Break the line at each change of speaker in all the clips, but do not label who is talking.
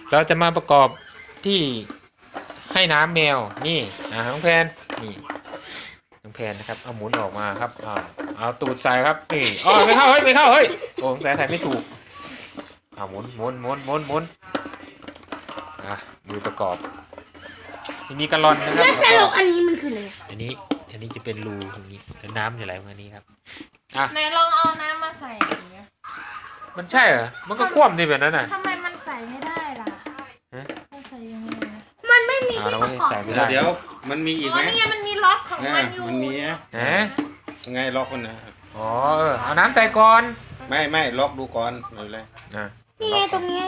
เราจะมาประกอบที่ให้น้ำแมวนี่น้องแพนนี่น้องแพนนะครับเอาหมุนออกมาครับเอาตูดใส่ครับนี่ไม่เข้าเฮ้ยไม่เข้าเฮ้ยโอ้แต่ใส่ไม่ถูกหมุนมือประกอบมีกระลอนนะครับ
แล้วสรุปอันนี้มันคืออะไร
อันนี้จะเป็นรูตรงนี้แล้วน้ำจะไหลมานี้ครับ
ไหนลองเอาน้ำมาใส่อย่างเงี้ย
มันใช่เหรอมันก็คว่ำดีแบบนั้นน่ะ
ทำไมมันใส่ไม่ได้ล่ะมันใส่ยังไง
มันไม่มีที่ประกอบ
เ
ดี๋ยวมันมีอีกไหม
นี่มันมีล็อกของมันอยู่
มันมีไงล็อกมันนะ
เอาน้ำใส่ก่อน
ไม่ล็อกดูก่อนเลย
นี่ไงตรงนี้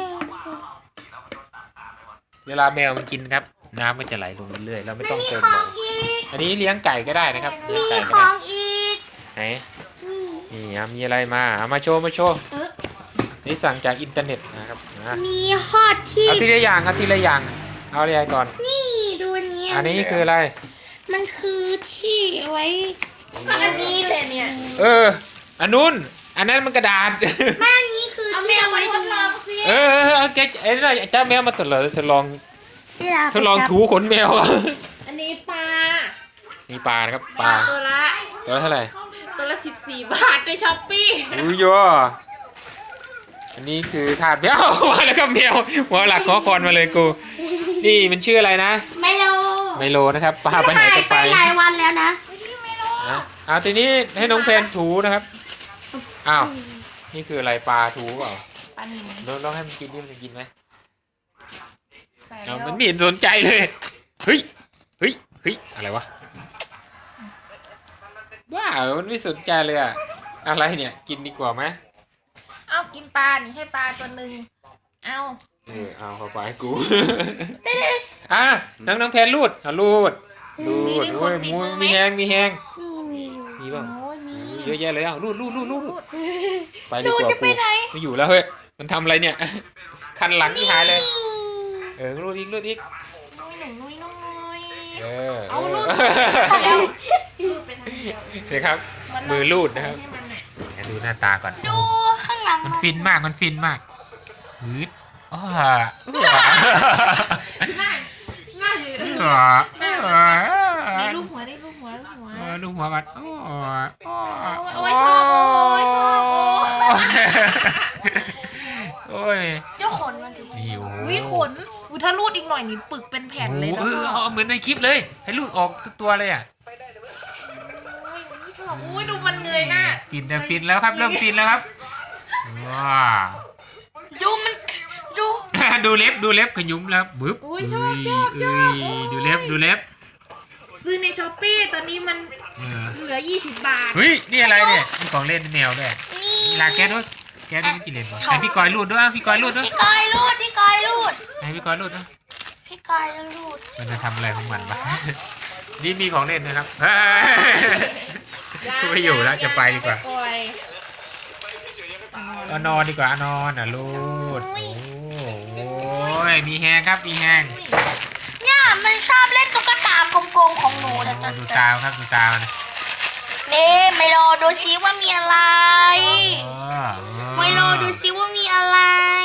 เวลาแมวมันกินครับน้ำก็จะไหลลงเรื่อยๆเราไม่ต้องเติมบ่อยอันนี้เลี้ยงไก่ก็ได้นะครับเลี้ยงไก่ก็ได้ไหนนี่มีอะไรมาโชว์นี่สั่งจากอินเทอร์เน็ตนะครับ
มีฮอตที่
เอาทีละอย่างเอาอะไรก่อน
นี่ดู
อันนี้คืออะไร
มันคือที่ไว้
อันนี้เลยเนี่ย
อันนู้นอันนั้นมันกระดาษ
แม่นี้คือ
เอาแมวไว้ทดลองสิ
เจ้าแมวมาทดลองถูขนแมว
อันนี้ปลา
นี่ปลานะครับปลา
ตัวละ
เท่าไหร่
ตัวละ14 บาทในช้อปปี้
อันนี้คือถาดแมวมาแล้วก็แมวหัวหลักขอคอนมาเลยกูนี่มันชื่ออะไรนะ
ไมโล
นะครับปลาไปไหนกันไป
หลายวันแล้วนะ
เอาทีนี้ให้น้องเพนถูนะครับนี่คืออะไรปลาถูเปล่า
ปลาหนึ่ง
ลองให้มันกินดิมันจะกินไหมมันไม่เห็นสนใจเลยเฮ้ยอะไรวะว้าวมันไม่สนใจเลยอะไรเนี่ยกินดีกว่าไหม
เอากินปลาให้ปลาตัวหนึ่งเอา
เข้าไปให้กูน้องแพนรูดด้วยมีแหงมีบ้างเยอะแยะเลยรูดไปดีกว่ากูไม่อยู่แล้วเฮ้ยมันทำอะไรเนี่ยคันหลังที่หายเลยรูดอีก
นุ้ยเอารูดไปทางเดียว
เลยครับมือรูดนะครับดูหน้าตาก่อน
ดูข้างหลัง
มันฟินมากฮึด
ง่ายอยู่ลูกหัวก่อนโอ้ยชอบ
โอ้ย
เจ้าขนมันที
ขนถ้ารูดอีกหน่อยนี่ปึกเป็นแผ่นเลยนะ
เหมือนในคลิปเลยให้รูดออกทุกตัวเลย
ชอบดูมันเงยหน้า
ฟินแล้วครับเริ่มฟินแล้วครับว้าดูเล็บขยุ้มแล้วบึ๊บ
ชอบ
ดูเล็บ
ซื้อในช้อปปี้ตอนนี้มันเหลือ20 บาท
เฮ้ยนี่อะไรเนี่ยมีของเล่นแมวด้วยลาแกด้วยไม่กินเล่นให้พี่กอยรูดด้วยให้พี่กอยรูดด้วยมันจะทำอะไรของมันบ้างนี่มีของเล่นนะครับไม่อยู่แล้วจะไปดีกว่าเอานอนดีกว่านอนรูดโอ้ยมีแฮงครับมีแฮง
เนี่ยมันชอบเล่นตุ๊กตากลมๆของหนูนะ
ดูตาครับดูตา
นี่ไมโลดูซิว่ามีอะไรไมโลดูซิว่ามีอะไร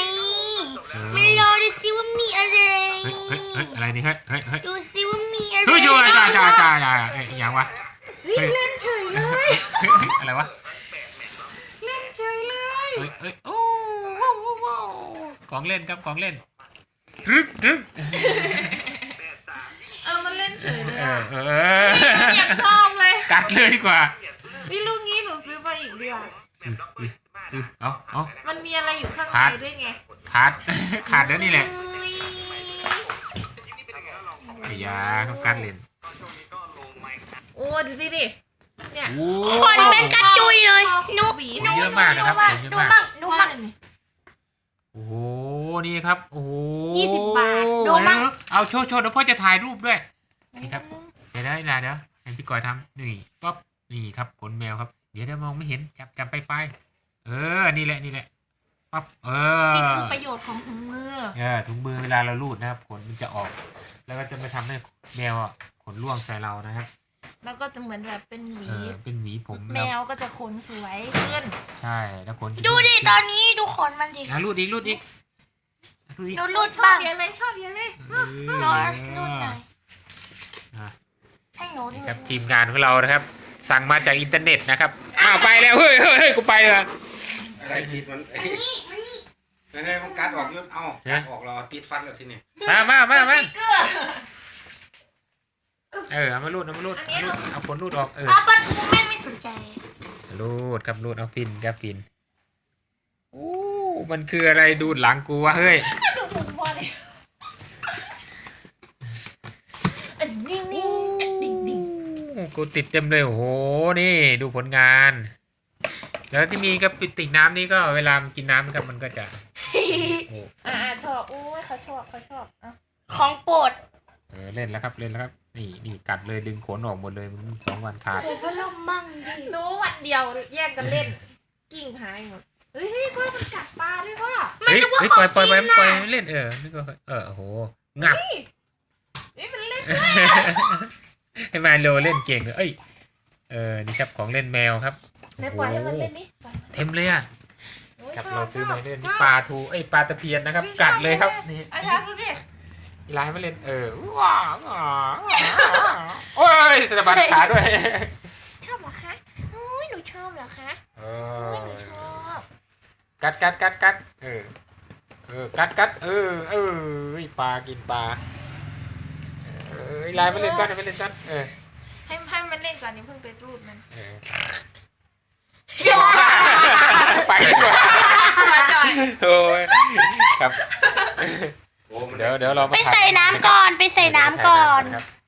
อะไรนี่เฮ้ย
ดูซิว่ามีอะไร
จ่าอย่างวะ
เล่นเฉยเลย
อะไรวะ
เล่นเฉยเลย
โอ้ของเล่นครับของเล่นรึ
มันเล่นเฉยเลยอยากชอบเลย
กัดเลยดีกว่า
นี่ลูกนี้หนูซื้อมาอีกเดียวมันมีอะไรอยู่ข้างในด้วยไง
ขาดแล้วนี่แหละอย่าต้องกัดเล่น
โอ้ดูสิเนี่ย
คนเป็นกระจุยเลยนุ๊ก
เยอะมากนะครับ
ดูมั่ง
โอ้โหนี่ครับโอ้โห
20 บาทดูมั่ง
เอาโชว์เดี๋ยวพ่อจะถ่ายรูปด้วยนี่ครับเดี๋ยวให้พี่กอยทำนี่ปั๊บนี่ครับขนแมวครับเดี๋ยวมองไม่เห็นจับไปนี่แหละปั๊บ
นี่คือประโยชน์ของถุงมือ
ถุงมือเวลาเราลูดนะครับขนมันจะออกแล้วก็จะไม่ทำให้แมวขนร่วงใส่เรานะครับ
แล้วก็จะเหมือนแบบเป็นหวี
ผม
แมวก็จะขนสวยขึ้น
ใช่แล้วขน
ดูดิตอนนี้ดูขนมันดิ
รูดอีก
หนูรูด
ชอ
บ้า
บ
ง
เยอะเลยชอบเยอะเลย
รอรูดหน่อย
อ่ะ
ให้หนูดู
ครับทีมงานของเรานะครับ สั่งมาจากอินเทอร์เน็ตนะครับอ้าวไปแล้วเฮ้ยเฮ้ยเฮ้ยกูไปเลย
อะไรติดมันเฮ้ยมันกัดออกยุดเอากัดออกเราติดฟันแล้วทีนี้
มา
ติ๊กเกอร์
เอามารูดเอาขนรูดออก
ปลาทูแม่ไม่สนใจเลย
รูดครับรูดเอาฟินครับฟินโอ้มันคืออะไรดูดหลังกูวะเฮ้ย
ดูผมพอเลยดิ่งดิ่ง
กูติดเต็มเลยโอ้โหนี่ดูผลงาน แล้วที่มีกระติกน้ำนี่ก็เวลามันกินน้ำครับมันก็จะโอ้
ชอบอุ้ยเขาชอบอ่ะ
ของโปรด
เล่นแล้วครับนี่กัดเลยดึงขนออกหมดเลยมัน2 วันขาด
เดี๋ยวก็ล่มมั่งดิ
หนูวันเดียวแยกกันเล่นกิ่งหายหมดเฮ้ยพ่อมันกัดปลาด้วยพ่อ
เฮ้ยปล่อยเล่นนี่ก็โอ้โหงับ
นี่มันเล่น
ให้มาโลเล่นเก่งเลยนี่ครับของเล่นแมวครับ
ไหนปล่อยให้มันเล่นนี่
เต็มเลยอ่ะ
โอ้ย
ครับ
ชอบ
เราซื้อมาเล่น
ช
นี่
อบ
ปลาทูปลาตะเพียนนะครับ กัดเลยครับนี่
อาจารย์ดูสิ
ลายมาเล่นว้าวโอ้ยสะบัดขาด้วย
ชอบเหรอคะอุ้ยหนูชอบเหรอคะอุ้ยหนูชอบ
กัดกัดกัดปลากินปลาลายมาเล่นกันไปเล่นกัน
ให้มันเล่นก่อนนี่เพิ่งไปรูดมัน
ไปด้วย โอ้ยครับ
โอ้มัน
เดี๋ยวเรา
ไปใส่น้ำก่อน
ครับ